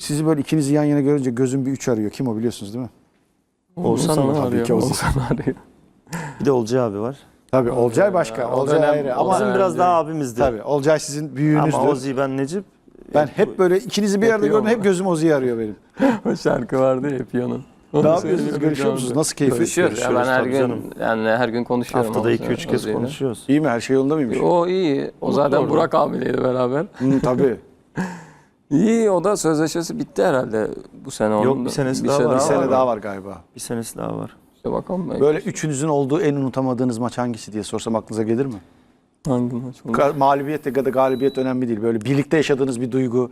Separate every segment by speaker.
Speaker 1: sizi böyle ikinizi yan yana görünce gözüm bir 3 arıyor. Kim o biliyorsunuz değil mi?
Speaker 2: Oğuzhan mı?
Speaker 1: Tabii ki Oğuzhan.
Speaker 2: Arıyor.
Speaker 3: Bir de Olcay abi var.
Speaker 1: Tabii Olcay başka. Olcay ayrı. Ama
Speaker 3: Bizim biraz daha abimizdi.
Speaker 1: tabii Olcay sizin büyüğünüzdür.
Speaker 3: Ama Ozi ben Necip.
Speaker 1: Ben hep böyle ikinizi bir yerde gördüm. Hep gözüm Ozi'yi arıyor benim.
Speaker 2: O şarkı vardı ya Piyano'nun.
Speaker 1: Ne yapıyorsunuz? Görüşüyor musunuz? Nasıl keyfi?
Speaker 2: Görüşüyoruz. Ya ben her
Speaker 3: tabii
Speaker 2: gün
Speaker 3: canım.
Speaker 2: yani her gün konuşuyorum.
Speaker 3: Haftada
Speaker 2: Oğuzhan
Speaker 3: 2-3 kez
Speaker 2: Ozi'yle.
Speaker 3: konuşuyoruz.
Speaker 1: İyi mi? Her şey yolunda mıymış?
Speaker 2: O iyi. O zaten Burak abiyleydi beraber.
Speaker 1: Tabii.
Speaker 2: İyi, o da sözleşmesi bitti herhalde bu sene.
Speaker 3: Yok,
Speaker 2: onun da.
Speaker 3: bir senesi daha var.
Speaker 1: Bir
Speaker 3: Aa,
Speaker 1: sene
Speaker 3: var.
Speaker 1: daha var galiba.
Speaker 3: Bir senesi daha var.
Speaker 2: İşte bakalım belki.
Speaker 1: Böyle üçünüzün olduğu en unutamadığınız maç hangisi diye sorsam aklınıza gelir mi?
Speaker 2: Hangi maç oldu?
Speaker 1: Mağlubiyet ya da galibiyet önemli değil. Böyle birlikte yaşadığınız bir duygu.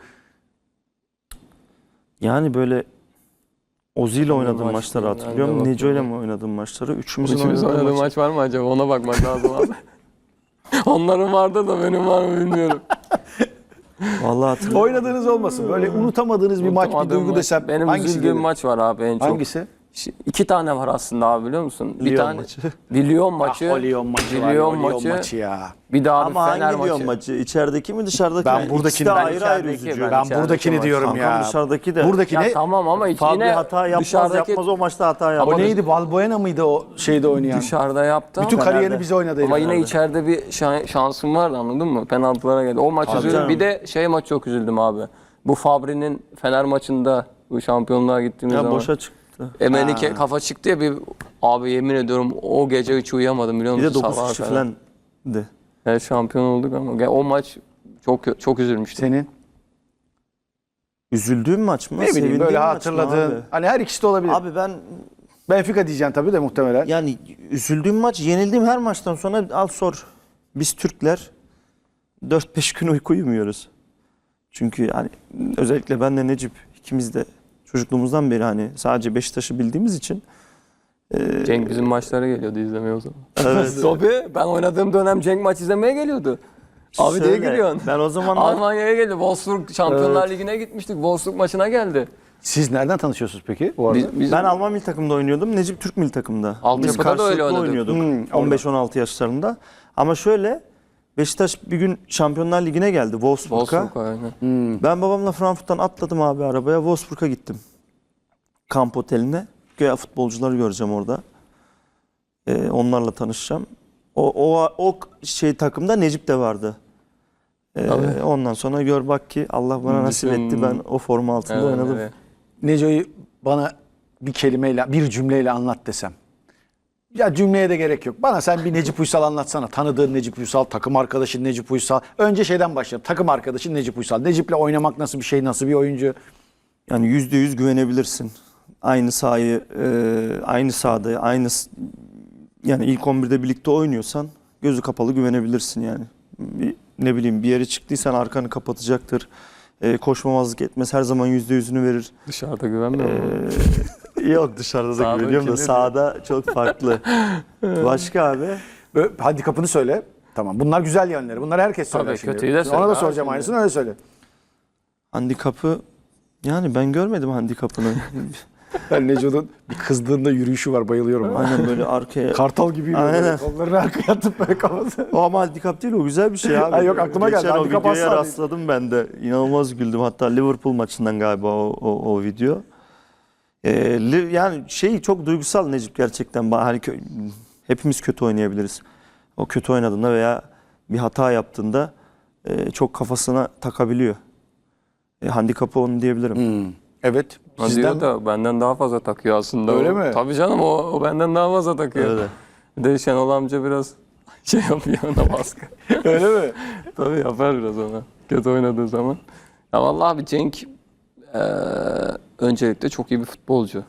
Speaker 3: Yani böyle Ozi ile oynadığım
Speaker 2: maç
Speaker 3: maçları
Speaker 2: değil,
Speaker 3: hatırlıyorum.
Speaker 2: ben de
Speaker 3: Neco ile
Speaker 2: bakıyorum.
Speaker 3: mi oynadığım maçları? Üçümüzün
Speaker 2: İkimiz
Speaker 3: oynadığı
Speaker 2: oynadığı
Speaker 3: maç.
Speaker 2: maç var mı acaba? Ona bakmak lazım abi. Onların vardı da benim var mı bilmiyorum.
Speaker 3: Vallahi hatırlıyorum.
Speaker 1: Oynadığınız olmasın. Böyle unutamadığınız bir maç, bir
Speaker 2: Unutamadığım
Speaker 1: duygu
Speaker 2: maç.
Speaker 1: desem
Speaker 2: Benim
Speaker 1: hangisi
Speaker 2: üzüldüğüm
Speaker 1: gelir?
Speaker 2: maç var abi en çok.
Speaker 1: Hangisi?
Speaker 2: İki tane var aslında abi, biliyor musun? Bir
Speaker 3: Lyon
Speaker 2: tane
Speaker 3: maçı.
Speaker 2: bir Lyon maçı.
Speaker 1: Ah, o Lyon maçı var.
Speaker 2: Lyon
Speaker 1: O Lyon
Speaker 2: maçı.
Speaker 1: maçı ya.
Speaker 2: Bir daha
Speaker 3: Ama
Speaker 2: bir Fener
Speaker 3: hangi Lyon
Speaker 2: maçı.
Speaker 3: maçı? İçerideki mi dışarıdaki
Speaker 1: Ben
Speaker 3: mi?
Speaker 1: buradakini-
Speaker 3: İkisi de
Speaker 1: ben
Speaker 3: ayrı ayrı
Speaker 2: içerideki,
Speaker 3: üzücü.
Speaker 2: ben
Speaker 1: Ben
Speaker 2: içerideki
Speaker 1: buradakini
Speaker 2: maç.
Speaker 1: diyorum
Speaker 3: Kankam
Speaker 1: ya.
Speaker 3: dışarıdaki de.
Speaker 1: Buradaki
Speaker 2: Ya
Speaker 1: ne?
Speaker 2: tamam ama
Speaker 3: Fabio
Speaker 2: yine
Speaker 3: hata yapmaz
Speaker 2: dışarıdaki
Speaker 3: yapmaz o maçta hata yapar.
Speaker 1: O neydi? Valbuena mıydı o şeyde oynayan?
Speaker 2: dışarıda yaptı
Speaker 1: Bütün
Speaker 2: ama,
Speaker 1: kariyerini bize oynadı.
Speaker 2: ama
Speaker 1: herif
Speaker 2: yine
Speaker 1: herhalde.
Speaker 2: içeride bir şansım vardı, anladın mı? Penaltılara geldi. O maç
Speaker 3: Tabii
Speaker 2: üzüldüm.
Speaker 3: canım.
Speaker 2: Bir de şey maç çok üzüldüm abi. Bu Fabri'nin Fener maçında bu şampiyonluğa gittiğimiz
Speaker 3: Ya
Speaker 2: zaman.
Speaker 3: boşa çıktı.
Speaker 2: Emenike kafa çıktı ya bir, abi yemin ediyorum o gece hiç uyuyamadım, biliyor
Speaker 3: Bir
Speaker 2: musun?
Speaker 3: de 9
Speaker 2: Sabaha
Speaker 3: kişi
Speaker 2: kadar.
Speaker 3: falan de.
Speaker 2: Evet, şampiyon olduk ama o maç çok üzülmüştüm.
Speaker 1: Senin?
Speaker 3: Üzüldüğüm maç mı?
Speaker 1: Ne bileyim
Speaker 3: Sevindiğim
Speaker 1: böyle
Speaker 3: maç mı
Speaker 1: hatırladığın.
Speaker 3: abi?
Speaker 1: Hani her ikisi de olabilir.
Speaker 3: Abi ben
Speaker 1: Benfica diyeceksin tabii de muhtemelen.
Speaker 3: yani üzüldüğüm maç, yenildiğim her maçtan sonra al sor. Biz Türkler 4-5 gün uyku uyumuyoruz. Çünkü yani özellikle ben de Necip ikimiz de çocukluğumuzdan beri hani sadece Beşiktaş'ı bildiğimiz için
Speaker 2: Cenk bizim maçlara geliyordu izlemeye o zaman.
Speaker 3: evet.
Speaker 2: Tabii ben oynadığım dönem Cenk maç izlemeye geliyordu. Abi
Speaker 3: Şöyle,
Speaker 2: diye gülüyorsun.
Speaker 3: Ben o zamanlar
Speaker 2: Almanya'ya geldi. Wolfsburg Şampiyonlar Ligi'ne gitmiştik. Wolfsburg maçına geldi.
Speaker 1: Siz nereden tanışıyorsunuz peki bu arada?
Speaker 2: Biz
Speaker 3: ben Alman milli takımda oynuyordum. Necip Türk milli takımda.
Speaker 2: Altyapıda
Speaker 3: Biz
Speaker 2: da öyle
Speaker 3: karşılıklı
Speaker 2: oynadık.
Speaker 3: oynuyorduk.
Speaker 1: orada.
Speaker 3: 15-16 yaşlarında. Ama şöyle Beşiktaş bir gün Şampiyonlar Ligi'ne geldi Wolfsburg'a.
Speaker 2: Wolfsburg aynen.
Speaker 3: Ben babamla Frankfurt'tan atladım abi arabaya. Wolfsburg'a gittim. Kamp oteline. Güya futbolcuları göreceğim orada. Onlarla tanışacağım. O şey takımda Necip de vardı.
Speaker 2: Tabii.
Speaker 3: Ondan sonra gör bak ki Allah bana nasip etti. Ben o forma altında
Speaker 2: Evet,
Speaker 3: oynadım.
Speaker 2: evet.
Speaker 1: Neco'yu bana bir kelimeyle, bir cümleyle anlat desem. Ya cümleye de gerek yok. Bana sen bir Necip Uysal anlatsana. Tanıdığın Necip Uysal, takım arkadaşın Necip Uysal. Önce şeyden başlayalım. Takım arkadaşın Necip Uysal. Necip'le oynamak nasıl bir şey, nasıl bir oyuncu?
Speaker 3: Yani %100 güvenebilirsin. Aynı sahayı, aynı sahada, yani ilk 11'de birlikte oynuyorsan gözü kapalı güvenebilirsin yani. Ne bileyim bir yere çıktıysan arkanı kapatacaktır. Koşmamazlık etmez. Her zaman %100'ünü verir.
Speaker 2: Dışarıda güvenmiyor musun?
Speaker 3: Yok dışarıda da
Speaker 2: Sahada
Speaker 3: güveniyorum da
Speaker 2: kirli
Speaker 3: sahada çok farklı. Başka abi?
Speaker 1: Böyle handikapını söyle. Tamam. Bunlar güzel yönleri. Bunları herkes söyler
Speaker 2: Tabii,
Speaker 1: şimdi.
Speaker 2: kötüyü de söyle
Speaker 1: Ona da
Speaker 2: abi
Speaker 1: soracağım
Speaker 2: şimdi.
Speaker 1: aynısını, öyle söyle.
Speaker 3: Handikapı yani ben görmedim handikapını.
Speaker 1: Ben Neco'nun bir kızdığında yürüyüşü var. Bayılıyorum.
Speaker 3: Aynen böyle arkaya.
Speaker 1: Kartal gibi yürüyor.
Speaker 3: Aynen.
Speaker 1: Böyle. Kollarını arkaya atıp böyle kafası.
Speaker 3: O ama handikap değil, o güzel bir şey abi.
Speaker 1: Ha, yok, aklıma geldi.
Speaker 3: Geçen o
Speaker 1: Handikap
Speaker 3: videoya
Speaker 1: asla değil.
Speaker 3: rastladım ben de. İnanılmaz güldüm. Hatta Liverpool maçından galiba o video. Yani çok duygusal Necip gerçekten. Hani hepimiz kötü oynayabiliriz. O kötü oynadığında veya bir hata yaptığında çok kafasına takabiliyor. Handikapı onu diyebilirim.
Speaker 1: Evet.
Speaker 2: O
Speaker 1: Sizden
Speaker 2: diyor da benden daha fazla takıyor aslında.
Speaker 1: Öyle
Speaker 2: o.
Speaker 1: mi?
Speaker 2: Tabii canım, o benden daha fazla takıyor.
Speaker 3: Öyle.
Speaker 2: Bir de Şenol amca biraz şey yapıyor ona, baskı.
Speaker 1: öyle mi?
Speaker 2: Tabii yapar biraz ona. Kötü oynadığı zaman. Ya vallahi abi Cenk öncelikle çok iyi bir futbolcu.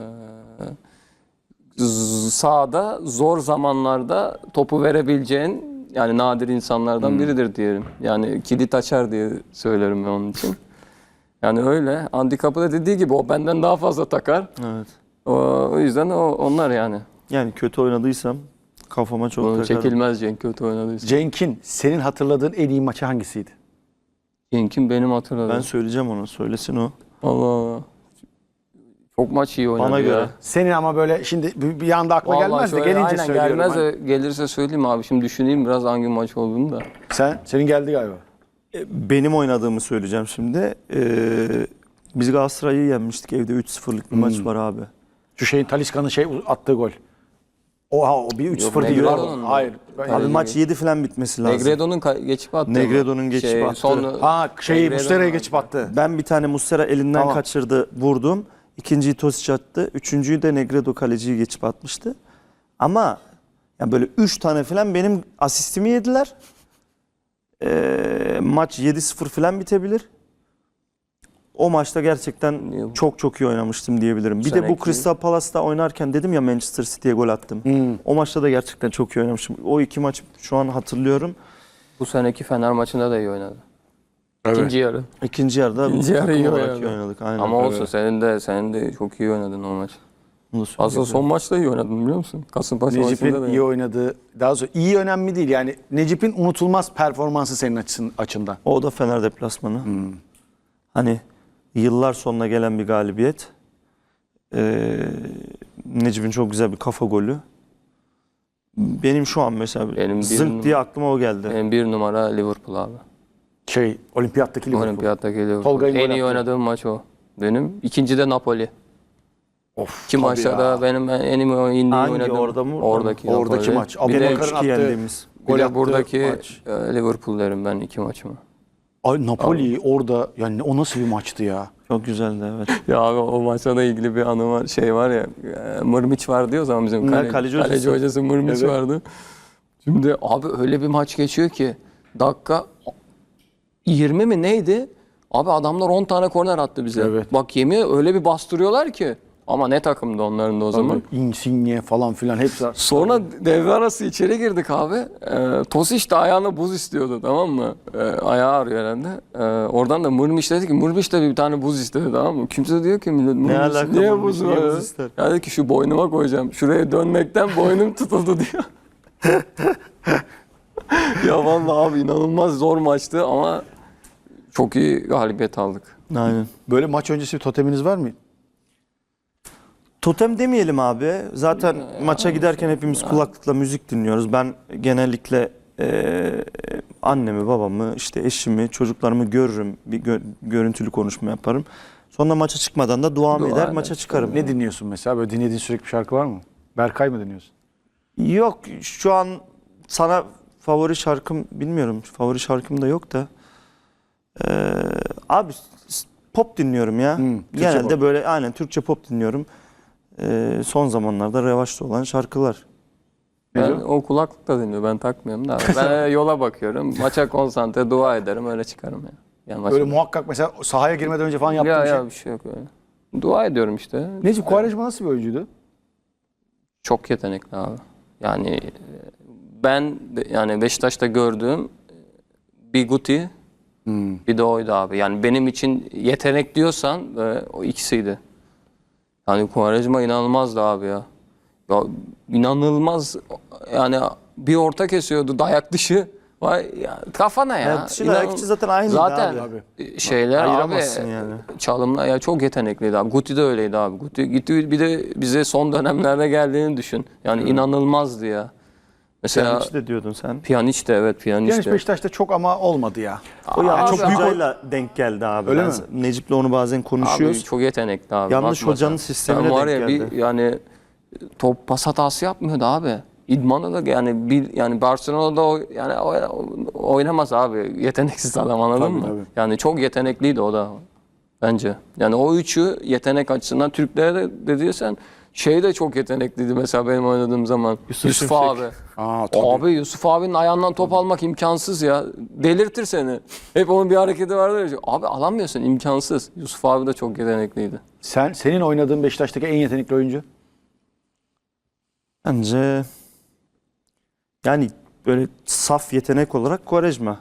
Speaker 2: Sahada zor zamanlarda topu verebileceğin yani nadir insanlardan biridir diyelim. Yani kilit açar diye söylerim ben onun için. Yani öyle. Handikapı da dediği gibi o benden daha fazla takar.
Speaker 3: Evet.
Speaker 2: O yüzden onlar yani.
Speaker 3: Yani kötü oynadıysam kafama çok
Speaker 2: Onu
Speaker 3: takarım.
Speaker 2: çekilmez Cenk kötü oynadıysa.
Speaker 1: Cenk'in senin hatırladığın en iyi maçı hangisiydi?
Speaker 2: Cenk'in benim hatırladığım.
Speaker 3: Ben söyleyeceğim onu. Söylesin o.
Speaker 2: Allah Allah. Çok maç iyi oynadı
Speaker 3: Bana
Speaker 2: ya.
Speaker 3: göre.
Speaker 1: Senin ama böyle şimdi bir anda akla
Speaker 2: Vallahi
Speaker 1: gelmez de
Speaker 2: şöyle,
Speaker 1: gelince
Speaker 2: aynen,
Speaker 1: söylüyorum.
Speaker 2: gelmez
Speaker 1: Hani.
Speaker 2: de gelirse söyleyeyim abi. Şimdi düşüneyim biraz hangi maç olduğunu da.
Speaker 1: Senin geldi galiba.
Speaker 3: Benim oynadığımı söyleyeceğim şimdi. Biz Galatasaray'ı yenmiştik evde 3-0'lık bir maç var abi.
Speaker 1: Şu şeyin Talisca'nın attığı gol. Oha o bir 3-0 değil.
Speaker 2: Negredo'nun mu?
Speaker 1: Hayır.
Speaker 3: Abi maç 7 falan bitmesi lazım.
Speaker 2: Negredo'nun geçip attı.
Speaker 3: Negredo'nun geçip attı.
Speaker 1: Muslera'ya geçip attı.
Speaker 3: Ben bir tane Muslera elinden
Speaker 1: Tamam.
Speaker 3: kaçırdı, vurdum. İkinciyi Tosic attı. Üçüncüyü de Negredo kaleciyi geçip atmıştı. Ama yani böyle 3 tane falan benim asistimi yediler. Maç 7-0 falan bitebilir. O maçta gerçekten çok çok iyi oynamıştım diyebilirim. Bir de bu
Speaker 2: Seneki-
Speaker 3: Crystal Palace'ta oynarken dedim ya Manchester City'ye gol attım. O maçta da gerçekten çok iyi oynamışım. O iki maç şu an hatırlıyorum.
Speaker 2: Bu seneki Fener maçında da iyi oynadı.
Speaker 1: Evet.
Speaker 2: İkinci yarı.
Speaker 3: İkinci yarıda
Speaker 2: İkinci yarı
Speaker 3: takım
Speaker 2: iyi
Speaker 3: olarak
Speaker 2: oynadı.
Speaker 3: iyi oynadık. Aynen.
Speaker 2: Ama olsun senin de çok iyi oynadın o maç.
Speaker 3: Bunu
Speaker 2: Aslında
Speaker 3: söyleyeyim.
Speaker 2: son maçta iyi oynadın biliyor musun? Kasımpaşa maçında
Speaker 1: Necip'in
Speaker 2: da
Speaker 1: iyi oynadığı, daha doğrusu iyi önemli değil. Yani Necip'in unutulmaz performansı senin açından.
Speaker 3: O da Fener deplasmanı. Hani yıllar sonuna gelen bir galibiyet. Necip'in çok güzel bir kafa golü. Benim şu an mesela
Speaker 2: Benim bir
Speaker 3: zınk diye aklıma o geldi.
Speaker 2: Benim bir numara Liverpool abi.
Speaker 1: Olimpiyattaki Liverpool.
Speaker 2: Olimpiyattaki Liverpool.
Speaker 1: Tolga'nın
Speaker 2: En
Speaker 1: gol
Speaker 2: iyi
Speaker 1: attığı.
Speaker 2: oynadığım maç o. Benim. İkinci de Napoli.
Speaker 1: Of,
Speaker 2: İki
Speaker 1: tabii
Speaker 2: maçta
Speaker 1: ya.
Speaker 2: da benim en iyi
Speaker 3: Hangi,
Speaker 2: oynadığım.
Speaker 3: orada mı?
Speaker 2: Oradaki
Speaker 1: Oradaki
Speaker 2: Napoli.
Speaker 1: maç.
Speaker 2: Bir de,
Speaker 1: Abubakar'ın
Speaker 3: 3-2
Speaker 1: attığı
Speaker 3: yendiğimiz.
Speaker 2: bir
Speaker 1: gol
Speaker 2: de
Speaker 1: attığı
Speaker 2: buradaki
Speaker 1: maç.
Speaker 2: Liverpool derim ben iki maçıma.
Speaker 1: Ay, Napoli orada yani o nasıl bir maçtı ya?
Speaker 3: Çok güzeldi evet.
Speaker 2: Ya abi o maçla da ilgili bir anı var. Şey var ya Mırmiç var diyor o zaman bizim
Speaker 3: Kaleci
Speaker 2: kaleci
Speaker 3: hocası.
Speaker 2: hocası Mırmiç
Speaker 1: Evet.
Speaker 2: vardı. Şimdi abi öyle bir maç geçiyor ki dakika 20 mi neydi? Abi adamlar 10 tane korner attı bize.
Speaker 1: Evet.
Speaker 2: Bak yemin öyle bir bastırıyorlar ki. Ama ne takımdı onların da o zaman.
Speaker 1: Insigne falan filan hepsi.
Speaker 2: Sonra devre arası içeri girdik abi. Tosic de ayağına buz istiyordu tamam mı? Ayağı ağrıyor herhalde. Oradan da Mırmış dedi ki Mırmış da bir tane buz istedi tamam mı? Kimse diyor ki millet Mırmış
Speaker 3: alaka
Speaker 2: niye
Speaker 3: Mırmış,
Speaker 2: buz
Speaker 3: niye
Speaker 2: var?
Speaker 3: buz ister?
Speaker 2: Ya dedi ki şu boynuma koyacağım. Şuraya dönmekten boynum tutuldu diyor. Ya vallahi abi inanılmaz zor maçtı ama çok iyi galibiyet aldık.
Speaker 3: Aynen.
Speaker 1: Böyle maç öncesi bir toteminiz var mı?
Speaker 3: Totem demeyelim abi. Zaten maça giderken hepimiz kulaklıkla müzik dinliyoruz. Ben genellikle annemi, babamı, işte eşimi, çocuklarımı görürüm. Bir görüntülü konuşma yaparım. Sonra maça çıkmadan da duamı
Speaker 2: Dua
Speaker 3: eder,
Speaker 2: eder.
Speaker 3: maça çıkarım.
Speaker 1: Ne dinliyorsun mesela? Böyle dinlediğin sürekli bir şarkı var mı? Berkay mı dinliyorsun?
Speaker 3: Yok şu an sana favori şarkım bilmiyorum. Favori şarkım da yok da. Abi pop dinliyorum ya.
Speaker 1: Türkçe
Speaker 3: Genelde
Speaker 1: pop.
Speaker 3: böyle aynen Türkçe pop dinliyorum. Son zamanlarda revaçta olan şarkılar.
Speaker 2: Ben o kulaklıkla dinliyor. Ben takmıyorum da. Ben yola bakıyorum. Maça konsantre dua ederim öyle çıkarım ya. Yani maça-
Speaker 1: Böyle muhakkak mesela sahaya girmeden önce falan yaptığın
Speaker 2: ya,
Speaker 1: şey.
Speaker 2: ya bir şey yok öyle. Dua ediyorum işte.
Speaker 1: Necip Quaresma nasıl bir oyuncuydu?
Speaker 2: Çok yetenekli abi. Yani ben yani Beşiktaş'ta gördüğüm bir Guti bir de oydu abi. Yani benim için yetenek diyorsan o ikisiydi. Yani Quaresma inanılmazdı abi ya. Ya inanılmaz yani bir orta kesiyordu dayak dışı. Vay ya, kafana ya.
Speaker 3: Dayak dışı, dayak içi zaten aynıydı
Speaker 2: zaten
Speaker 3: abi.
Speaker 2: şeyler abi
Speaker 3: Ayıramazsın yani.
Speaker 2: çalımlar ya çok yetenekliydi abi. Guti de öyleydi abi. Guti gitti bir de bize son dönemlerde geldiğini düşün. Yani inanılmazdı ya. Mesela
Speaker 3: Pjanic de diyordun sen.
Speaker 2: Pjanic de evet Pjanic
Speaker 1: Genç
Speaker 2: de.
Speaker 1: Beşiktaş'ta çok ama olmadı ya.
Speaker 3: O yani
Speaker 2: Abi,
Speaker 3: çok
Speaker 2: abi,
Speaker 3: hocayla denk geldi abi.
Speaker 1: Öyle
Speaker 3: Ben
Speaker 1: mi?
Speaker 3: Necip'le onu bazen konuşuyoruz.
Speaker 2: Abi çok yetenekli abi.
Speaker 3: Yanlış
Speaker 2: Bakma
Speaker 3: hocanın
Speaker 2: sen.
Speaker 3: sistemine
Speaker 2: Sen var
Speaker 3: denk
Speaker 2: ya
Speaker 3: geldi.
Speaker 2: yani top pas hatası yapmıyordu abi. İdmanı da yani Barcelona'da oynamaz abi. Yeteneksiz adam anladın
Speaker 1: Tabii,
Speaker 2: mı?
Speaker 1: tabii.
Speaker 2: Yani çok yetenekliydi o da bence. Yani o üçü yetenek açısından Türklere de dediyorsan şey de çok yetenekliydi mesela benim oynadığım zaman. Yusuf
Speaker 3: Şimşek.
Speaker 2: abi.
Speaker 1: Aa, tabii.
Speaker 2: Abi Yusuf abinin ayağından top almak imkansız ya. Delirtir seni. Hep onun bir hareketi vardır ya. Abi alamıyorsun imkansız. Yusuf abi de çok yetenekliydi.
Speaker 1: Senin oynadığın Beşiktaş'taki en yetenekli oyuncu?
Speaker 3: Bence yani böyle saf yetenek olarak Quaresma.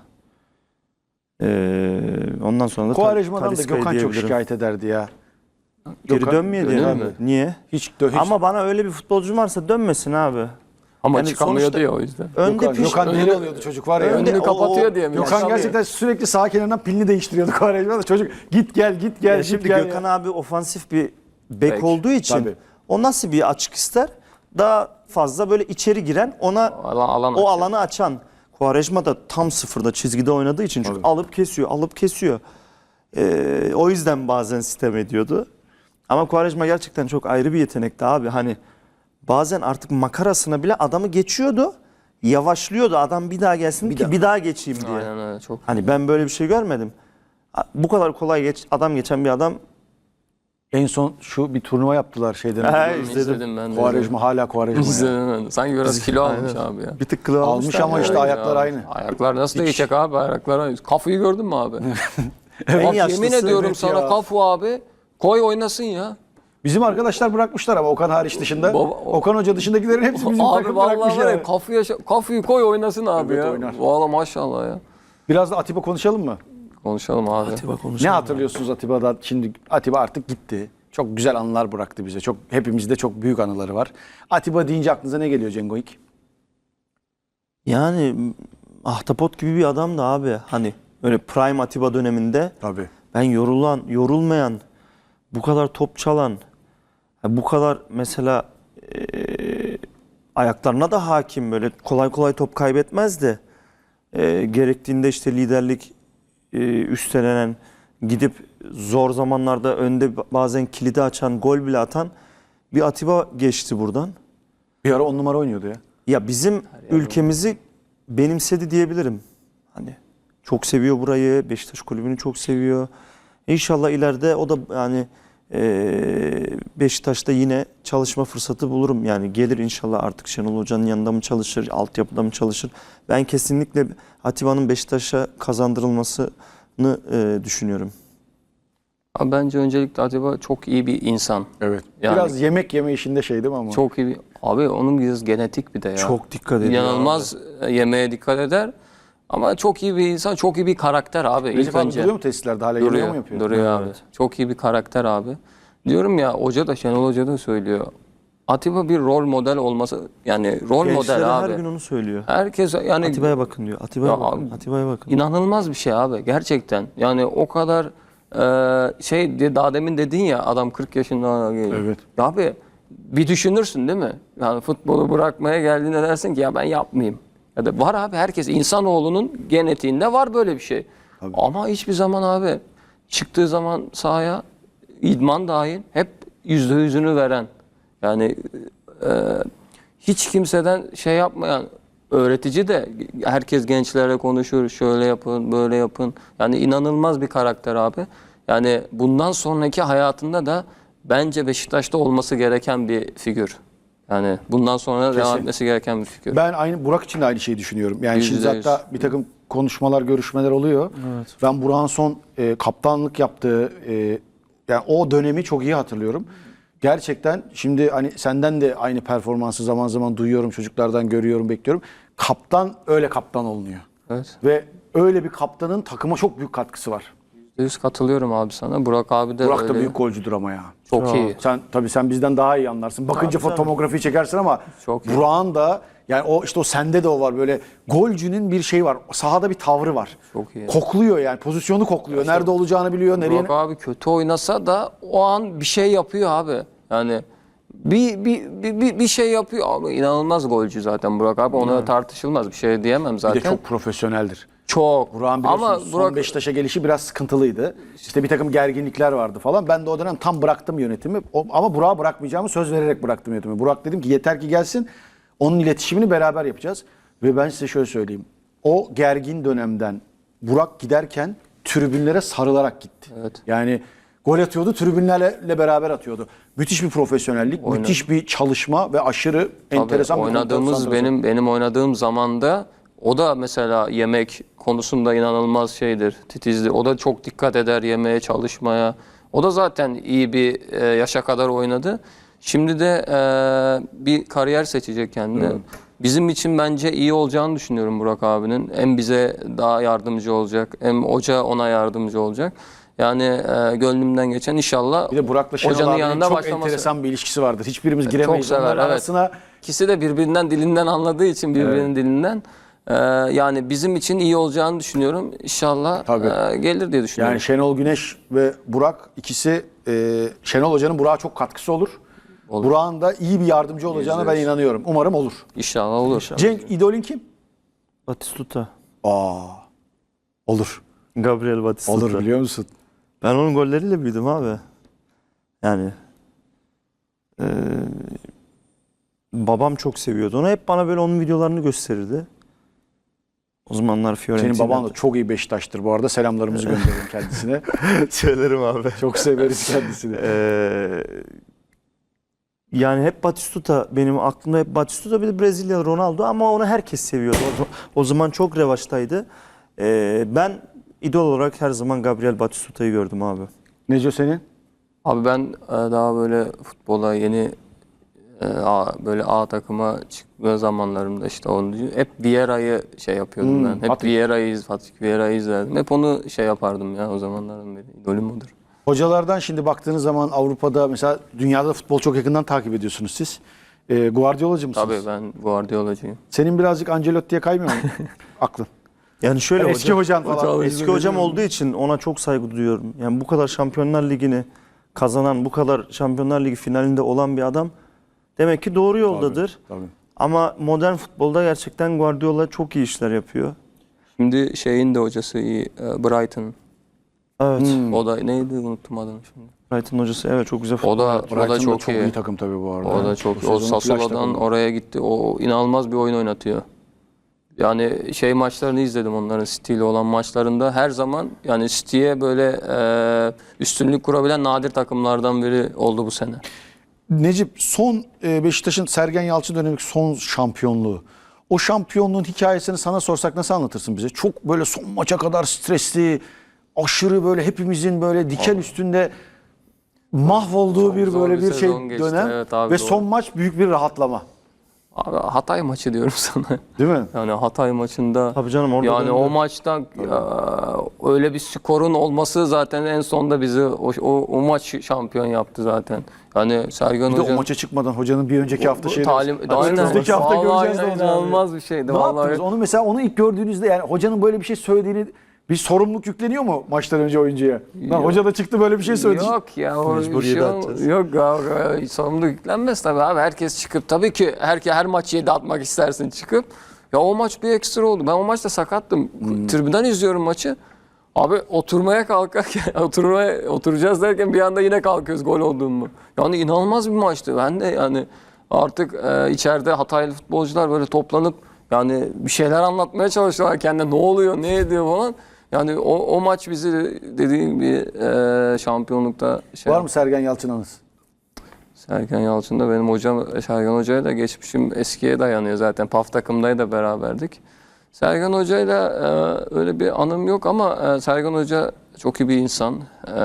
Speaker 3: Ondan sonra da
Speaker 1: Quaresma'dan da
Speaker 3: Talisca'yı
Speaker 1: Gökhan çok
Speaker 3: diyebilirim.
Speaker 1: şikayet ederdi ya.
Speaker 3: Geri
Speaker 1: Gökhan-
Speaker 3: dönmeye diye
Speaker 2: Dönüyor
Speaker 3: abi.
Speaker 2: mu?
Speaker 3: Niye?
Speaker 1: Hiç
Speaker 3: Ama bana öyle bir futbolcu varsa dönmesin abi.
Speaker 2: Ama
Speaker 3: Yani
Speaker 2: çıkamıyordu
Speaker 3: sonuçta-
Speaker 2: ya o yüzden.
Speaker 3: Önde
Speaker 1: Gökhan
Speaker 3: önde-
Speaker 1: deli oluyordu çocuk var ya.
Speaker 2: önünü
Speaker 3: o-
Speaker 2: kapatıyor diye mi?
Speaker 1: Gökhan
Speaker 2: Yaşamıyor.
Speaker 1: gerçekten sürekli sağ kenarından pilini değiştiriyordu Quaresma da çocuk git gel git gel
Speaker 3: Ya
Speaker 1: git
Speaker 3: şimdi
Speaker 1: gel.
Speaker 3: Gökhan abi ofansif bir bek
Speaker 2: Bek,
Speaker 3: olduğu için
Speaker 1: tabii.
Speaker 3: o nasıl bir açık ister? Daha fazla böyle içeri giren ona
Speaker 2: Alan
Speaker 3: o
Speaker 2: açıyor.
Speaker 3: alanı açan. Quaresma da tam sıfırda çizgide oynadığı için çünkü alıp kesiyor. O yüzden bazen sitem ediyordu. Ama Quaresma gerçekten çok ayrı bir yetenekti abi. Hani bazen artık makarasına bile adamı geçiyordu. Yavaşlıyordu adam bir daha gelsin bir daha geçeyim diye.
Speaker 2: Aynen öyle, çok.
Speaker 3: Hani ben böyle bir şey görmedim. Bu kadar kolay adam geçen bir adam.
Speaker 1: En son şu bir turnuva yaptılar şeyden.
Speaker 3: He,
Speaker 2: İzledim ben de.
Speaker 1: Quaresma hala Quaresma. ya.
Speaker 2: İzledim ben de. Sanki biraz kilo almış abi ya.
Speaker 3: Bir tık kilo
Speaker 1: Almış ama işte ayaklar
Speaker 2: Ya,
Speaker 1: aynı.
Speaker 2: Ayaklar nasıl değişecek abi? Ayaklar aynı. Kafayı gördün mü abi?
Speaker 3: En
Speaker 2: Bak,
Speaker 3: yaşlısı,
Speaker 2: yemin ediyorum
Speaker 1: evet
Speaker 2: sana
Speaker 1: ya.
Speaker 2: Kafu abi koy oynasın ya.
Speaker 1: Bizim arkadaşlar bırakmışlar ama Okan hariç dışında. Okan Hoca dışındakilerin hepsi bizim
Speaker 2: Abi
Speaker 1: takım
Speaker 2: vallahi
Speaker 1: bırakmış
Speaker 2: var ya
Speaker 1: yani.
Speaker 2: Kafu'yu koy oynasın abi
Speaker 1: Evet,
Speaker 2: ya.
Speaker 1: oynar.
Speaker 2: Vallahi maşallah ya.
Speaker 1: Biraz da Atiba konuşalım mı?
Speaker 2: Konuşalım abi.
Speaker 1: Ne hatırlıyorsunuz Atiba'dan? Şimdi Atiba artık gitti. Çok güzel anılar bıraktı bize. Çok hepimizde çok büyük anıları var. Atiba deyince aklınıza ne geliyor Cengo İlk?
Speaker 3: Yani ahtapot gibi bir adamdı abi. Hani öyle prime Atiba döneminde
Speaker 1: Tabii.
Speaker 3: ben yorulmayan, bu kadar top çalan, bu kadar mesela ayaklarına da hakim, böyle kolay kolay top kaybetmezdi. Gerektiğinde işte liderlik üstlenen, gidip zor zamanlarda önde bazen kilidi açan, gol bile atan bir Atiba geçti buradan.
Speaker 1: Bir ara 10 numara oynuyordu ya.
Speaker 3: Ya bizim ülkemizi benimsedi diyebilirim. Hani çok seviyor burayı, Beşiktaş kulübünü çok seviyor. İnşallah ileride o da yani Beşiktaş'ta yine çalışma fırsatı bulurum. Yani gelir inşallah, artık Şenol Hoca'nın yanında mı çalışır, altyapıda mı çalışır? Ben kesinlikle Atiba'nın Beşiktaş'a kazandırılmasını düşünüyorum.
Speaker 2: Abi bence öncelikle Atiba çok iyi bir insan.
Speaker 1: Evet.
Speaker 2: Yani-
Speaker 1: Biraz yemek yeme işinde şey değil mi ama?
Speaker 2: Çok iyi bir... Abi onun biraz genetik bir de ya.
Speaker 3: Çok dikkat ediyor.
Speaker 2: İnanılmaz yemeğe dikkat eder. Ama çok iyi bir insan, çok iyi bir karakter abi.
Speaker 1: Recep
Speaker 2: İlk
Speaker 1: abi
Speaker 2: önce.
Speaker 1: duruyor mu tesislerde? Hala yemeği mi yapıyor?
Speaker 2: Duruyor abi. Çok iyi bir karakter abi. Diyorum ya, hoca da, Şenol Hoca da söylüyor. Atiba bir rol model olması, yani rol
Speaker 3: Gençlere
Speaker 2: model
Speaker 3: her
Speaker 2: abi.
Speaker 3: gün onu söylüyor.
Speaker 2: Herkes yani
Speaker 3: Atiba'ya bakın diyor. Atiba'ya
Speaker 2: Ya
Speaker 3: bakın.
Speaker 2: abi,
Speaker 3: Atiba'ya bakın.
Speaker 2: inanılmaz bir şey abi gerçekten. Yani o kadar daha demin dedin ya, adam 40 yaşında geliyor.
Speaker 1: Evet.
Speaker 2: Ya abi bir düşünürsün değil mi? Yani futbolu bırakmaya geldiğinde dersin ki ya ben yapmayayım. Ya da var abi, herkes, insanoğlunun genetiğinde var böyle bir şey. Ama hiçbir zaman abi çıktığı zaman sahaya, idman dahil, hep %100'ünü veren. Yani hiç kimseden şey yapmayan, öğretici de, herkes gençlerle konuşur, şöyle yapın, böyle yapın. Yani inanılmaz bir karakter abi. Yani bundan sonraki hayatında da bence Beşiktaş'ta olması gereken bir figür. Yani bundan sonra devam etmesi gereken bir figür.
Speaker 1: Ben aynı Burak için de aynı şeyi düşünüyorum. Yani şimdi
Speaker 2: %100.
Speaker 1: hatta bir takım konuşmalar, görüşmeler oluyor. Ben Burak'ın son kaptanlık yaptığı yani o dönemi çok iyi hatırlıyorum. Gerçekten şimdi hani senden de aynı performansı zaman zaman duyuyorum, çocuklardan görüyorum, bekliyorum. Kaptan öyle kaptan olunuyor.
Speaker 2: Evet.
Speaker 1: Ve öyle bir kaptanın takıma çok büyük katkısı var.
Speaker 2: %100 katılıyorum abi sana. Burak abi de
Speaker 1: Burak da
Speaker 2: öyle.
Speaker 1: büyük golcüdür ama ya.
Speaker 2: Çok iyi.
Speaker 1: Sen bizden daha iyi anlarsın. Bakınca fotoğrafı çekersin ama
Speaker 2: Çok iyi.
Speaker 1: Burak'ın da yani o sende de o var, böyle golcünün bir şeyi var. Sahada bir tavrı var.
Speaker 2: Çok iyi.
Speaker 1: Kokluyor yani, pozisyonu kokluyor. Nerede olacağını biliyor, nereye.
Speaker 2: Burak abi kötü oynasa da o an bir şey yapıyor abi. Yani bir şey yapıyor abi. İnanılmaz golcü zaten Burak abi. Ona tartışılmaz bir şey diyemem
Speaker 1: Bir
Speaker 2: zaten.
Speaker 1: de çok profesyoneldir.
Speaker 2: Çok.
Speaker 1: Burak'ın biliyorsun
Speaker 2: Ama
Speaker 1: son
Speaker 2: Burak
Speaker 1: Beşiktaş'a gelişi biraz sıkıntılıydı. İşte bir takım gerginlikler vardı falan. Ben de o dönem tam bıraktım yönetimi. Ama Burak'a bırakmayacağımı söz vererek bıraktım yönetimi. Burak dedim ki yeter ki gelsin. Onun iletişimini beraber yapacağız. Ve ben size şöyle söyleyeyim. O gergin dönemden Burak giderken tribünlere sarılarak gitti.
Speaker 2: Evet.
Speaker 1: Yani gol atıyordu, tribünlerle beraber atıyordu. Müthiş bir profesyonellik, müthiş bir çalışma ve aşırı enteresan bir
Speaker 2: oynadığımız
Speaker 1: konsantrasyon.
Speaker 2: benim oynadığım zamanda o da mesela yemek konusunda inanılmaz şeydir, titizdir. O da çok dikkat eder yemeğe, çalışmaya. O da zaten iyi bir yaşa kadar oynadı. Şimdi de bir kariyer seçecek kendine. Bizim için bence iyi olacağını düşünüyorum Burak abinin. Hem bize daha yardımcı olacak, hem hoca ona yardımcı olacak. Yani gönlümden geçen inşallah
Speaker 1: Bir de Burak'la Şenol
Speaker 2: hocanın
Speaker 1: abinin
Speaker 2: yanında
Speaker 1: çok
Speaker 2: başlaması.
Speaker 1: enteresan bir ilişkisi vardır. Hiçbirimiz giremeyiz
Speaker 2: Çok sever,
Speaker 1: onların
Speaker 2: evet.
Speaker 1: arasına.
Speaker 2: İkisi de birbirinden dilinden anladığı için birbirinin dilinden. Yani bizim için iyi olacağını düşünüyorum. İnşallah
Speaker 1: Tabii.
Speaker 2: gelir diye düşünüyorum.
Speaker 1: Yani Şenol Güneş ve Burak ikisi Şenol Hoca'nın Burak'a çok katkısı olur. Burak'ın da iyi bir yardımcı olacağına ben inanıyorum. Umarım olur.
Speaker 2: İnşallah olur.
Speaker 1: Cenk, idolün kim?
Speaker 3: Batistuta.
Speaker 1: Aa, olur.
Speaker 3: Gabriel Batistuta.
Speaker 1: Olur biliyor musun?
Speaker 3: Ben onun golleriyle büyüdüm abi. Yani e, babam çok seviyordu onu. Hep bana böyle onun videolarını gösterirdi. O zamanlar Fiorentina'da.
Speaker 1: Senin baban da çok iyi Beşiktaş'tır bu arada. Selamlarımızı gönderelim kendisine.
Speaker 3: Söylerim abi.
Speaker 1: Çok severiz kendisini.
Speaker 3: Yani hep Batistuta benim aklımda, hep Batistuta, bir de Brezilya Ronaldo, ama onu herkes seviyordu. O zaman çok revaçtaydı. Ben idol olarak her zaman Gabriel Batistuta'yı gördüm abi.
Speaker 1: Neco senin?
Speaker 2: Abi ben daha böyle futbola yeni böyle A takıma çıkma zamanlarımda işte onu hep Vieira'yı şey yapıyordum ben. Hep
Speaker 1: Fatih.
Speaker 2: Fatih Vieira'yı izlerdim. Hep onu şey yapardım ya, o zamanlardan beri. İdolüm odur.
Speaker 1: Hocalardan şimdi baktığınız zaman Avrupa'da mesela dünyada futbol çok yakından takip ediyorsunuz siz. Guardiolacı mısınız?
Speaker 2: Tabii ben Guardiolacıyım.
Speaker 1: Senin birazcık Ancelotti'ye kaymıyor mu aklın?
Speaker 3: Yani şöyle
Speaker 1: Eski hocan falan.
Speaker 3: eski hocam olduğu için ona çok saygı duyuyorum. Yani bu kadar Şampiyonlar Ligi'ni kazanan, bu kadar Şampiyonlar Ligi finalinde olan bir adam demek ki doğru yoldadır.
Speaker 1: Tabii.
Speaker 3: Ama modern futbolda gerçekten Guardiola çok iyi işler yapıyor.
Speaker 2: Şimdi şeyin de hocası iyi, Brighton.
Speaker 3: Evet.
Speaker 2: O da neydi, unuttum adını şimdi.
Speaker 3: Brighton hocası evet çok güzel futbol.
Speaker 2: O da
Speaker 1: Brighton
Speaker 2: çok iyi.
Speaker 1: iyi takım tabii bu arada.
Speaker 2: O da çok iyi. O
Speaker 1: sezonun flash
Speaker 2: Sassuolo'dan
Speaker 1: takımı.
Speaker 2: oraya gitti. O inanılmaz bir oyun oynatıyor. Yani şey maçlarını izledim, onların City ile olan maçlarında her zaman yani City'ye böyle üstünlük kurabilen nadir takımlardan biri oldu bu sene.
Speaker 1: Necip, son Beşiktaş'ın Sergen Yalçın dönemindeki son şampiyonluğu. O şampiyonluğun hikayesini sana sorsak nasıl anlatırsın bize? Çok böyle son maça kadar stresli, aşırı böyle hepimizin böyle diken üstünde mahvolduğu
Speaker 2: Çok
Speaker 1: bir
Speaker 2: zor
Speaker 1: böyle
Speaker 2: bir
Speaker 1: bir şey
Speaker 2: sezon geçti.
Speaker 1: dönem
Speaker 2: Evet abi,
Speaker 1: ve
Speaker 2: doğru.
Speaker 1: son maç büyük bir rahatlama.
Speaker 2: Abi Hatay maçı diyorum sana.
Speaker 1: Değil mi?
Speaker 2: Yani Hatay maçında
Speaker 3: Tabii canım, orada
Speaker 2: yani
Speaker 3: döndü.
Speaker 2: o maçta öyle bir skorun olması zaten en sonda bizi o maç şampiyon yaptı zaten. Yani Sergen
Speaker 1: Bir de
Speaker 2: Hoca
Speaker 1: o maça çıkmadan hocanın bir önceki hafta şeyi.
Speaker 2: önümüzdeki
Speaker 1: hafta göreceğiz de hocam.
Speaker 2: inanılmaz bir şeydi
Speaker 1: Ne
Speaker 2: vallahi.
Speaker 1: yaptınız? Onu mesela onu ilk gördüğünüzde yani hocanın böyle bir şey söylediğini bir sorumluluk yükleniyor mu maçtan önce oyuncuya? Lan
Speaker 2: Yok.
Speaker 1: hoca da çıktı böyle bir şey söyledi.
Speaker 2: Yok ya, o
Speaker 3: Mecburiyete
Speaker 2: şey
Speaker 3: atacağız.
Speaker 2: yok abi, sorumluluk yüklenmez tabii abi. Herkes çıkıp tabii ki her maç 7 atmak istersin çıkıp. Ya o maç bir ekstra oldu. Ben o maçta sakattım. Tribünden izliyorum maçı. Abi oturmaya kalkarken oturacağız derken bir anda yine kalkıyoruz gol olduğumu. Yani inanılmaz bir maçtı. Ben de yani artık içeride Hataylı futbolcular böyle toplanıp yani bir şeyler anlatmaya çalışıyorlar kendine, ne oluyor, ne ediyor falan. Yani o maç bizi dediğim gibi şampiyonlukta
Speaker 1: Var mı Sergen Yalçın anısı?
Speaker 2: Sergen Yalçın da benim hocam, Sergen Hoca'ya da geçmişim eskiye dayanıyor zaten. PAF takımdaydı da beraberdik. Sergen Hoca'yla öyle bir anım yok ama Sergen Hoca çok iyi bir insan,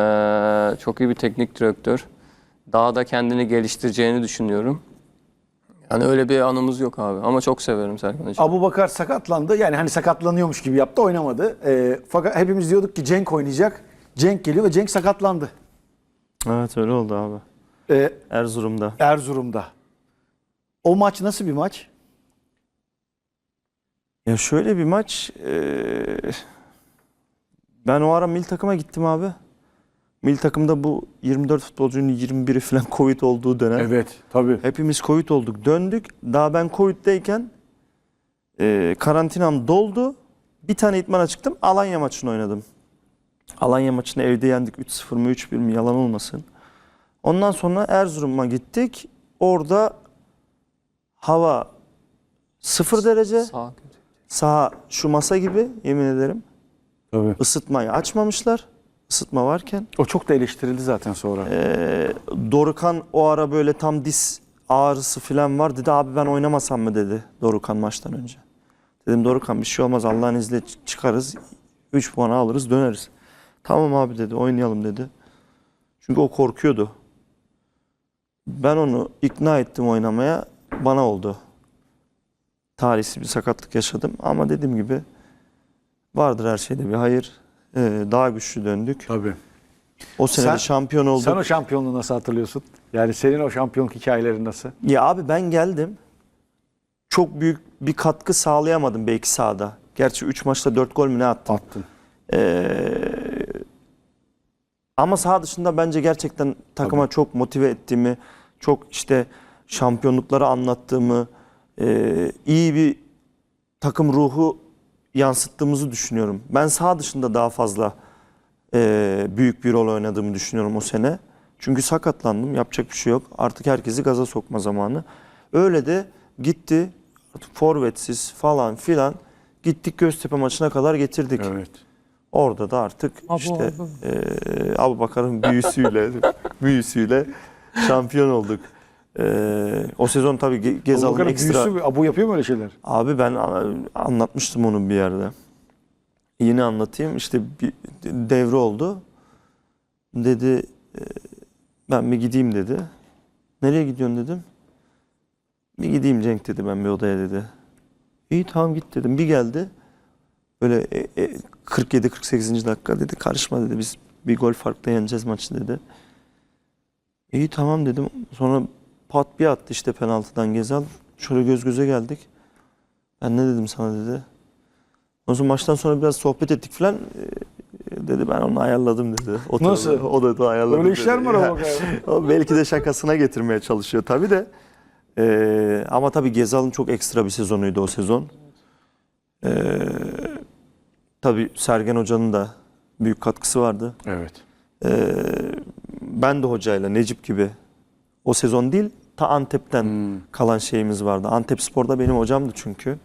Speaker 2: çok iyi bir teknik direktör. Daha da kendini geliştireceğini düşünüyorum. Yani öyle bir anımız yok abi ama çok severim Sergen Hoca'yı.
Speaker 1: Abubakar sakatlandı. Yani hani sakatlanıyormuş gibi yaptı, oynamadı. Fakat hepimiz diyorduk ki Cenk oynayacak. Cenk geliyor ve Cenk sakatlandı.
Speaker 3: Evet öyle oldu abi. Erzurum'da.
Speaker 1: Erzurum'da. O maç nasıl bir maç?
Speaker 3: Ya şöyle bir maç. Ben o ara milli takıma gittim abi. Milli takımda bu 24 futbolcunun 21'i falan Covid olduğu dönem.
Speaker 1: Evet, tabii.
Speaker 3: Hepimiz Covid olduk. Döndük. Daha ben Covid'deyken karantinam doldu. Bir tane idmana çıktım. Alanya maçını oynadım. Alanya maçını evde yendik. 3-0 mı 3-1 mi yalan olmasın. Ondan sonra Erzurum'a gittik. Orada hava 0 derece.
Speaker 2: Sağ kötü.
Speaker 3: Saha şu masa gibi, yemin ederim.
Speaker 1: Tabii.
Speaker 3: Isıtmayı açmamışlar. Isıtma varken.
Speaker 1: O çok da eleştirildi zaten sonra.
Speaker 3: Dorukhan o ara böyle tam diz ağrısı falan var. Dedi abi ben oynamasam mı dedi Dorukhan maçtan önce. Dedim Dorukhan bir şey olmaz, Allah'ın izniyle çıkarız. 3 puan alırız döneriz. Tamam abi dedi, oynayalım dedi. Çünkü o korkuyordu. Ben onu ikna ettim oynamaya. Bana oldu. Talihsiz bir sakatlık yaşadım. Ama dediğim gibi vardır her şeyde bir hayır. Daha güçlü döndük.
Speaker 1: Tabii.
Speaker 3: O sene de şampiyon olduk.
Speaker 1: Sen o şampiyonluğu nasıl hatırlıyorsun? Yani senin o şampiyonluk hikayelerin nasıl?
Speaker 3: Ya abi ben geldim. Çok büyük bir katkı sağlayamadım belki sahada. Gerçi 3 maçta 4 gol mü ne attım.
Speaker 1: Attın.
Speaker 3: Ama saha dışında bence gerçekten takıma çok motive ettiğimi, çok işte şampiyonlukları anlattığımı, iyi bir takım ruhu yansıttığımızı düşünüyorum. Ben saha dışında daha fazla büyük bir rol oynadığımı düşünüyorum o sene. Çünkü sakatlandım. Yapacak bir şey yok. Artık herkesi gaza sokma zamanı. Öyle de gitti. Artık forvetsiz falan filan. Gittik Göztepe maçına kadar getirdik.
Speaker 1: Evet.
Speaker 3: Orada da artık işte Abubakar'ın büyüsüyle şampiyon olduk. O sezon tabii Gezal'ın
Speaker 1: Abubakar'ın
Speaker 3: ekstra...
Speaker 1: büyüsü, Abu yapıyor mu öyle şeyler?
Speaker 3: Abi ben anlatmıştım onu bir yerde. Yine anlatayım. İşte bir devre oldu. Dedi ben bir gideyim dedi. Nereye gidiyorsun dedim. Bir gideyim Cenk dedi, ben bir odaya dedi. İyi tamam git dedim. Bir geldi. Böyle 47-48. dakika dedi. Karışma dedi. Biz bir gol farkla yeneceğiz maçı dedi. İyi tamam dedim. Sonra pat bir attı işte penaltıdan Gezal. Şöyle göz göze geldik. Ben ne dedim sana dedi. O zaman maçtan sonra biraz sohbet ettik falan. Dedi ben onu ayarladım dedi. Oturdu.
Speaker 1: Nasıl?
Speaker 3: O da ayarladı.
Speaker 1: Öyle işler
Speaker 3: dedi.
Speaker 1: mi var o
Speaker 3: O belki de şakasına getirmeye çalışıyor tabii de. Ama tabii Gezal'ın çok ekstra bir sezonuydu o sezon. Tabii Sergen Hoca'nın da büyük katkısı vardı.
Speaker 1: Evet.
Speaker 3: Ben de hocayla Necip gibi o sezon değil ta Antep'ten kalan şeyimiz vardı. Antepspor'da benim hocamdı çünkü.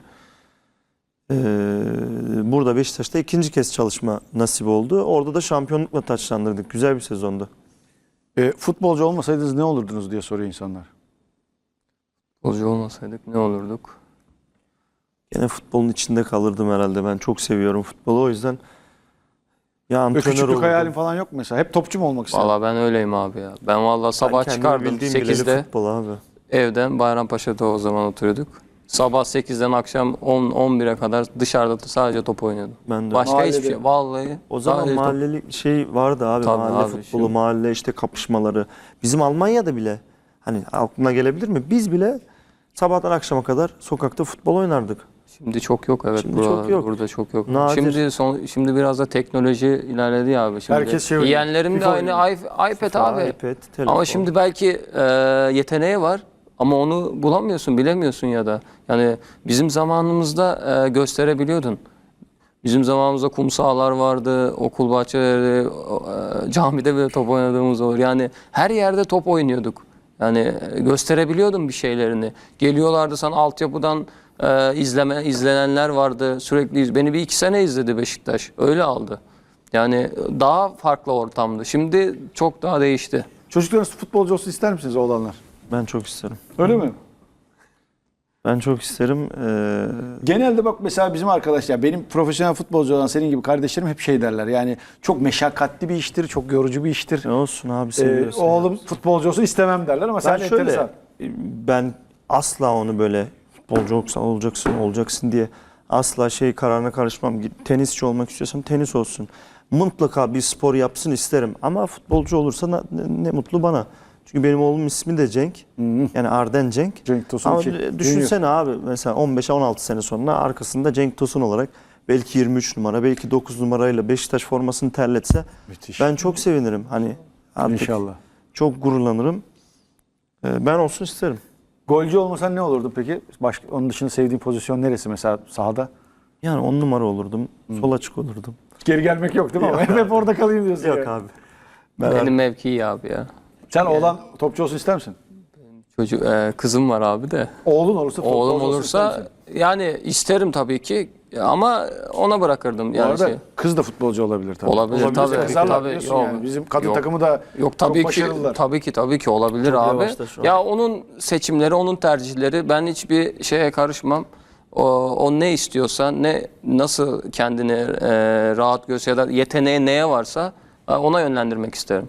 Speaker 3: Burada Beşiktaş'ta ikinci kez çalışma nasip oldu. Orada da şampiyonlukla taçlandırdık. Güzel bir sezondu.
Speaker 1: Futbolcu olmasaydınız ne olurdunuz diye soruyor insanlar.
Speaker 2: Futbolcu olmasaydık ne olurduk?
Speaker 3: Gene futbolun içinde kalırdım herhalde. Ben çok seviyorum futbolu. O yüzden ya
Speaker 1: Böyle
Speaker 3: antrenör
Speaker 1: küçüklük
Speaker 3: olurdum.
Speaker 1: hayalin falan yok mu mesela? Hep topçu mu olmak istedin?
Speaker 2: Valla ben öyleyim abi ya. Ben valla sabah
Speaker 3: Ben kendimi
Speaker 2: çıkardım
Speaker 3: bildiğim bileli
Speaker 2: 8'de
Speaker 3: futbol abi.
Speaker 2: evden, Bayrampaşa'da o zaman oturuyorduk. Sabah 8'den akşam 10-11'e kadar dışarıda sadece top oynuyordum.
Speaker 3: Ben de.
Speaker 2: Başka
Speaker 1: Mahallede.
Speaker 2: hiçbir şey. Vallahi.
Speaker 3: O zaman
Speaker 2: sadece top.
Speaker 3: mahalleli şey vardı abi.
Speaker 2: Tabii
Speaker 3: Mahalle
Speaker 2: abi,
Speaker 3: futbolu,
Speaker 2: şimdi-
Speaker 3: mahalle işte kapışmaları. Bizim Almanya'da bile hani aklına gelebilir mi? Biz bile sabahtan akşama kadar sokakta futbol oynardık.
Speaker 2: Şimdi çok yok, evet.
Speaker 3: Şimdi çok yok.
Speaker 2: Burada çok yok.
Speaker 3: Nadir.
Speaker 2: Şimdi biraz da teknoloji ilerledi ya abi. Şimdi
Speaker 1: Herkes şey oynuyor.
Speaker 2: yeğenlerim de
Speaker 1: FIFA
Speaker 2: aynı iPad abi.
Speaker 3: iPad, telefon.
Speaker 2: Ama şimdi belki yeteneği var ama onu bulamıyorsun, bilemiyorsun ya da. Yani bizim zamanımızda gösterebiliyordun. Bizim zamanımızda kum sahalar vardı, okul bahçeleri, camide bile top oynadığımız olur. Yani her yerde top oynuyorduk. Yani gösterebiliyordun bir şeylerini. Geliyorlardı sana altyapıdan izlenenler vardı. Sürekli beni bir 2 sene izledi Beşiktaş. Öyle aldı. Yani daha farklı ortamdı. Şimdi çok daha değişti.
Speaker 1: Çocuklarınız futbolcu olsun ister misiniz oğlanlar?
Speaker 3: Ben çok isterim.
Speaker 1: Öyle mi?
Speaker 3: Ben çok isterim.
Speaker 1: Genelde bak mesela bizim arkadaşlar, benim profesyonel futbolcu olan senin gibi kardeşlerim hep şey derler. Yani çok meşakkatli bir iştir, çok yorucu bir iştir.
Speaker 3: Ne olsun abi seviyorsun.
Speaker 1: Oğlum futbolcu olsun istemem derler ama sen
Speaker 3: Ben şöyle,
Speaker 1: enteresan.
Speaker 3: ben asla onu böyle futbolcu olacaksın diye asla şey kararına karışmam. Tenisçi olmak istiyorsam tenis olsun. Mutlaka bir spor yapsın isterim. Ama futbolcu olursa ne mutlu bana. Çünkü benim oğlumun ismi de Cenk. Yani Arden Cenk.
Speaker 1: Cenk Tosun
Speaker 3: Ama
Speaker 1: iki.
Speaker 3: düşünsene abi mesela 15-16 sene sonra arkasında Cenk Tosun olarak belki 23 numara, belki 9 numarayla Beşiktaş formasını terletse
Speaker 1: Müthiş.
Speaker 3: ben çok sevinirim. Hani artık
Speaker 1: İnşallah.
Speaker 3: çok gururlanırım. Ben olsun isterim.
Speaker 1: Golcü olmasan ne olurdu peki? Başka, onun dışında sevdiğin pozisyon neresi mesela sahada?
Speaker 3: Yani 10 numara olurdum. Sol açık olurdum.
Speaker 1: Geri gelmek yok değil mi? Ama hep orada kalayım diyorsun.
Speaker 3: Yok
Speaker 1: yani.
Speaker 3: abi.
Speaker 2: Benim mevki iyi abi ya.
Speaker 1: Sen oğlan topçu olsun ister misin?
Speaker 2: Kızım var abi de.
Speaker 1: Oğlun olursa futbolcu
Speaker 2: Oğlum
Speaker 1: olsun ister
Speaker 2: olursa
Speaker 1: misin?
Speaker 2: yani isterim tabii ki ama ona bırakırdım
Speaker 1: Bu
Speaker 2: yani
Speaker 1: arada
Speaker 2: şey.
Speaker 1: kız da futbolcu olabilir tabii.
Speaker 2: Olabilir, tabii.
Speaker 1: Kızlarla
Speaker 2: Tabii,
Speaker 1: biliyorsun
Speaker 2: yok.
Speaker 1: yani. Bizim kadın
Speaker 2: Yok.
Speaker 1: takımı da
Speaker 2: Yok
Speaker 1: çok
Speaker 2: tabii ki
Speaker 1: başarılılar.
Speaker 2: tabii ki olabilir
Speaker 3: Çok
Speaker 2: abi.
Speaker 3: yavaşta şu an.
Speaker 2: Ya onun seçimleri, onun tercihleri, ben hiçbir şeye karışmam. O ne istiyorsa, nasıl kendini rahat görse ya da yeteneği neye varsa ona yönlendirmek isterim.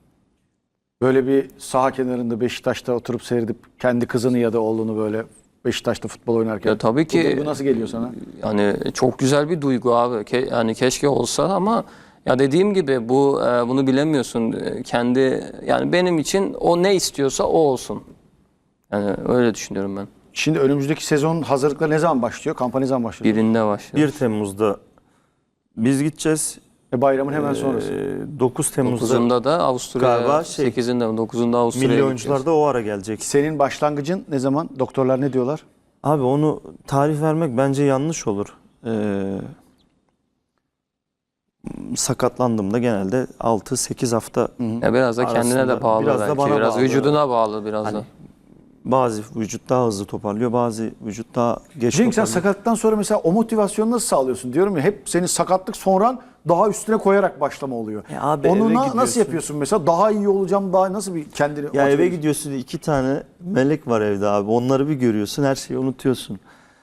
Speaker 1: Böyle bir saha kenarında Beşiktaş'ta oturup seyredip kendi kızını ya da oğlunu böyle Beşiktaş'ta futbol oynarken.
Speaker 2: Ya tabii ki.
Speaker 1: Bu duygu nasıl geliyor sana?
Speaker 2: Yani çok güzel bir duygu abi. Yani keşke olsa ama ya dediğim gibi bunu bilemiyorsun. Yani benim için o ne istiyorsa o olsun. Yani öyle düşünüyorum ben.
Speaker 1: Şimdi önümüzdeki sezon hazırlıkları ne zaman başlıyor? Kampanya ne zaman başlıyor?
Speaker 2: Birinde başlıyor.
Speaker 3: 1 Temmuz'da biz gideceğiz.
Speaker 1: Bayramın hemen sonrası.
Speaker 3: 9 Temmuz'da
Speaker 2: 9'unda da Avusturya,
Speaker 3: Galiba
Speaker 2: 8'inde mi? 9'unda Avusturya'ya
Speaker 3: milli oyuncular
Speaker 2: gideceğiz.
Speaker 3: da o ara gelecek.
Speaker 1: Senin başlangıcın ne zaman? Doktorlar ne diyorlar?
Speaker 3: Abi onu tarih vermek bence yanlış olur. sakatlandığımda genelde 6-8 hafta
Speaker 2: Ya biraz da kendine
Speaker 3: arasında,
Speaker 2: de bağlı
Speaker 3: biraz da
Speaker 2: belki.
Speaker 3: bana
Speaker 2: Biraz
Speaker 3: bağlı.
Speaker 2: vücuduna bağlı biraz
Speaker 3: Hani
Speaker 2: da.
Speaker 3: bazı vücut daha hızlı toparlıyor, bazı vücut daha geç
Speaker 1: Cenk sen
Speaker 3: toparlıyor.
Speaker 1: sakatlıktan sonra mesela o motivasyonu nasıl sağlıyorsun? Diyorum ya hep senin sakatlık sonran daha üstüne koyarak başlama oluyor.
Speaker 3: Abi
Speaker 1: Onu
Speaker 3: eve
Speaker 1: nasıl
Speaker 3: gidiyorsun.
Speaker 1: yapıyorsun mesela? Daha iyi olacağım, daha nasıl bir kendini
Speaker 3: Ya
Speaker 1: motive
Speaker 3: eve
Speaker 1: ediyorsun?
Speaker 3: gidiyorsun, 2 tane melek var evde abi. Onları bir görüyorsun, her şeyi unutuyorsun.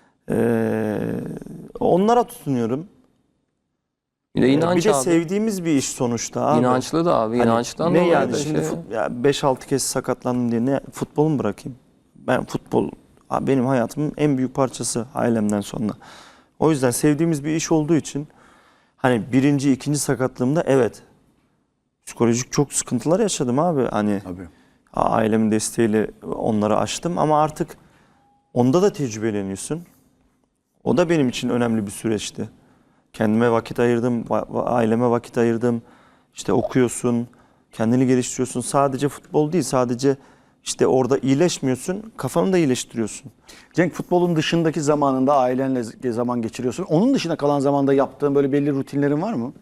Speaker 3: Onlara tutunuyorum.
Speaker 2: Bir de inanç
Speaker 3: Bir de
Speaker 2: abi.
Speaker 3: sevdiğimiz bir iş sonuçta abi.
Speaker 2: İnançlı da abi.
Speaker 3: Hani
Speaker 2: İnançtan
Speaker 3: ne
Speaker 2: dolayı
Speaker 3: yani
Speaker 2: da
Speaker 3: şimdi
Speaker 2: şey.
Speaker 3: ya 5-6 kez sakatlandım diye ne futbolu mu bırakayım? Ben futbol abi benim hayatımın en büyük parçası ailemden sonra. O yüzden sevdiğimiz bir iş olduğu için hani birinci, ikinci sakatlığımda evet psikolojik çok sıkıntılar yaşadım abi. Hani
Speaker 1: Tabii.
Speaker 3: ailemin desteğiyle onları aştım ama artık onda da tecrübeleniyorsun. O da benim için önemli bir süreçti. Kendime vakit ayırdım, aileme vakit ayırdım. İşte okuyorsun, kendini geliştiriyorsun. Sadece futbol değil, sadece işte orada iyileşmiyorsun, kafanı da iyileştiriyorsun.
Speaker 1: Cenk futbolun dışındaki zamanında ailenle zaman geçiriyorsun. Onun dışında kalan zamanda yaptığın böyle belli rutinlerin var mı?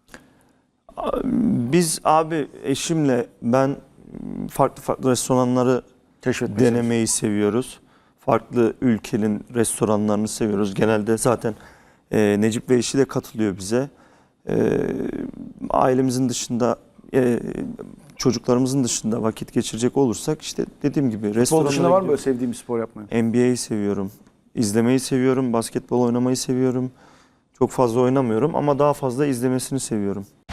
Speaker 3: Biz abi eşimle ben farklı farklı restoranları
Speaker 1: Keşfetmeyi
Speaker 3: denemeyi seviyoruz. Farklı ülkenin restoranlarını seviyoruz. Genelde zaten Necip ve eşi de katılıyor bize. Ailemizin dışında, çocuklarımızın dışında vakit geçirecek olursak işte dediğim gibi
Speaker 1: Futbol
Speaker 3: restoranlara
Speaker 1: dışında var mı böyle
Speaker 3: gidiyoruz.
Speaker 1: sevdiğin bir spor yapmayı?
Speaker 3: NBA'yi seviyorum. İzlemeyi seviyorum. Basketbol oynamayı seviyorum. Çok fazla oynamıyorum ama daha fazla izlemesini seviyorum.